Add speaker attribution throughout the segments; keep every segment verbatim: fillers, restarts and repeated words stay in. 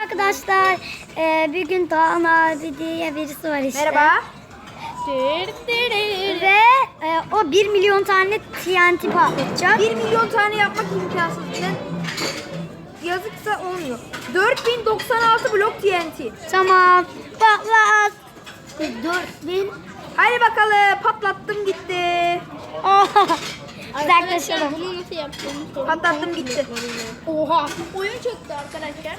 Speaker 1: Arkadaşlar e, bir gün Doğan abi diye birisi var işte.
Speaker 2: Merhaba.
Speaker 1: Ve e, o bir milyon tane T N T patlatacak.
Speaker 2: bir milyon tane yapmak imkansız. Neden? Yazıksa olmuyor. dört bin doksan altı blok T N T.
Speaker 1: Tamam. Patlat. dört bin.
Speaker 2: Hadi bakalım, patlattım gitti.
Speaker 1: Uzaklaşalım.
Speaker 3: Bunu nasıl yaptığını sorun.
Speaker 2: Patlattım gitti.
Speaker 3: Oha. Oyun çöktü arkadaşlar.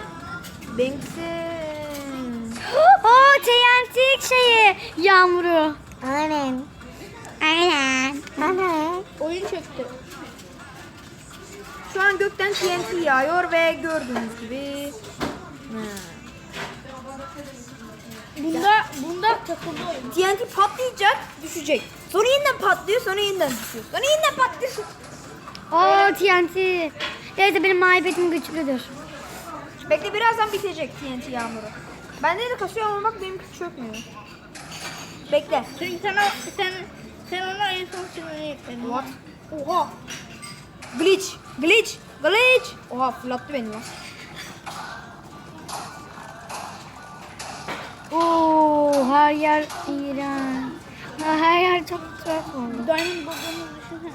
Speaker 2: Benimsin.
Speaker 1: O T N T şeyi yağmuru. Aynen. Aynen. Aynen.
Speaker 3: Oyun çöktü.
Speaker 2: Şu an gökten T N T yağıyor ve gördüğünüz gibi.
Speaker 3: Bunda bunda takıldı oyun.
Speaker 2: T N T patlayacak, düşecek. Sonra yeniden patlıyor, sonra yeniden düşüyor. Sonra yeniden patlıyor.
Speaker 1: O T N T. Neyse benim maibetim güçlüdür.
Speaker 2: Bekle, birazdan bitecek T N T yağmuru. Bende de kasıyor ama bak benimki çökmüyor. Bekle.
Speaker 3: Çünkü sana sen sen ona en son sinirini yükledin.
Speaker 2: What?
Speaker 3: Oha.
Speaker 2: Glitch, glitch, glitch. Oha, fırlattı beni ya.
Speaker 1: Oo, her yer iğrenç. Ha, her yer çok tuhaf oldu.
Speaker 3: Diamond bulduğunu düşünsene.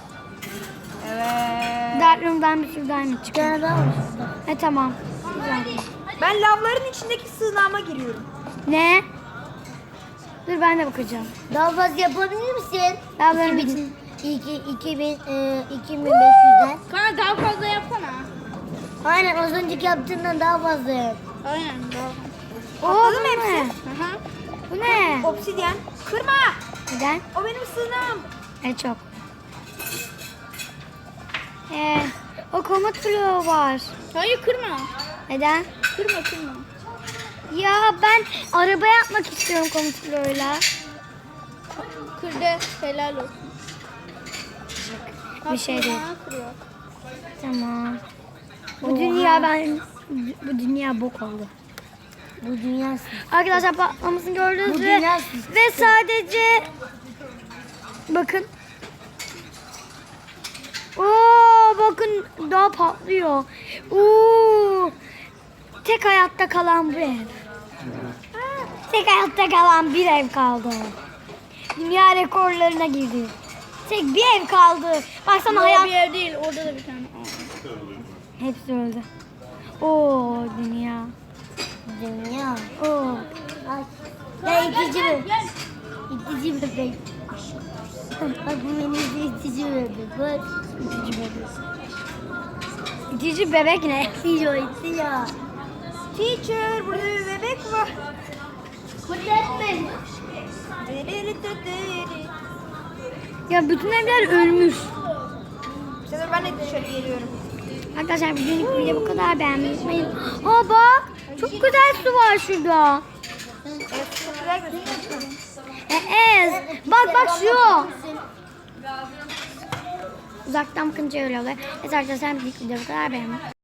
Speaker 2: Evet.
Speaker 1: Dark Room'dan bir sürü diamond çıkıyor. E tamam. Güzel.
Speaker 2: Ben lavların içindeki sığınağıma giriyorum.
Speaker 1: Ne? Dur ben de bakacağım.
Speaker 4: Daha fazla yapabilir misin?
Speaker 1: Lavların
Speaker 4: iki bin,
Speaker 1: için.
Speaker 4: iki, iki bin, e, iki bin beş yüzden.
Speaker 3: Kana daha fazla yapsana.
Speaker 4: Aynen az önceki yaptığından daha fazla yap.
Speaker 3: Aynen daha.
Speaker 1: Oo, bu
Speaker 2: Patladı mı
Speaker 1: ne?
Speaker 2: hepsi?
Speaker 3: Aha.
Speaker 1: Bu ne?
Speaker 2: Obsidyen. Kırma.
Speaker 1: Neden?
Speaker 2: O benim sığınağım.
Speaker 1: E çok. E, o komut bloğu var.
Speaker 3: Hayır kırma.
Speaker 1: Neden?
Speaker 3: Kırma kırma.
Speaker 1: Ya ben araba yapmak istiyorum komut bloğuyla.
Speaker 3: Kırdı. Helal olsun.
Speaker 1: Bir şey değil.
Speaker 3: Bana kırıyor.
Speaker 1: Tamam. Bu dünya ben bu dünya bok oldu.
Speaker 4: Bu dünya
Speaker 1: Arkadaşlar patlamasını gördünüz
Speaker 4: Bu
Speaker 1: ve,
Speaker 4: dünya
Speaker 1: ve sadece bakın. Oo bakın daha patlıyor. Oo tek hayatta kalan bir ev. Tek hayatta kalan bir ev kaldı. Dünya rekorlarına girdi. Tek bir ev kaldı. Baksana
Speaker 3: O
Speaker 1: hayat
Speaker 3: bir ev değil. Orada da bir tane.
Speaker 1: hepsi öldü. Oo dünya.
Speaker 4: dünya.
Speaker 1: Oo.
Speaker 4: Ay. Ya itici mi? İtici bebek. Bak bu benim de itici bebek. Bak. İtici bebek.
Speaker 1: İtici bebek ne?
Speaker 4: İtici o itici ya.
Speaker 2: Teacher, burada bir bebek var.
Speaker 4: Kudretme.
Speaker 1: Ya bütün evler ölmüş.
Speaker 2: Şimdi ben de dışarı geliyorum.
Speaker 1: Arkadaşlar bugünlük video bu kadar, beğenmeyi unutmayın. Aa bak çok güzel su var şurada.
Speaker 2: Evet, çok güzel gözüküyor.
Speaker 1: E, Ez bak bak şu. Uzaktan bakınca öyle oluyor. Evet arkadaşlar bugünlük video bu kadar, beğenmeyi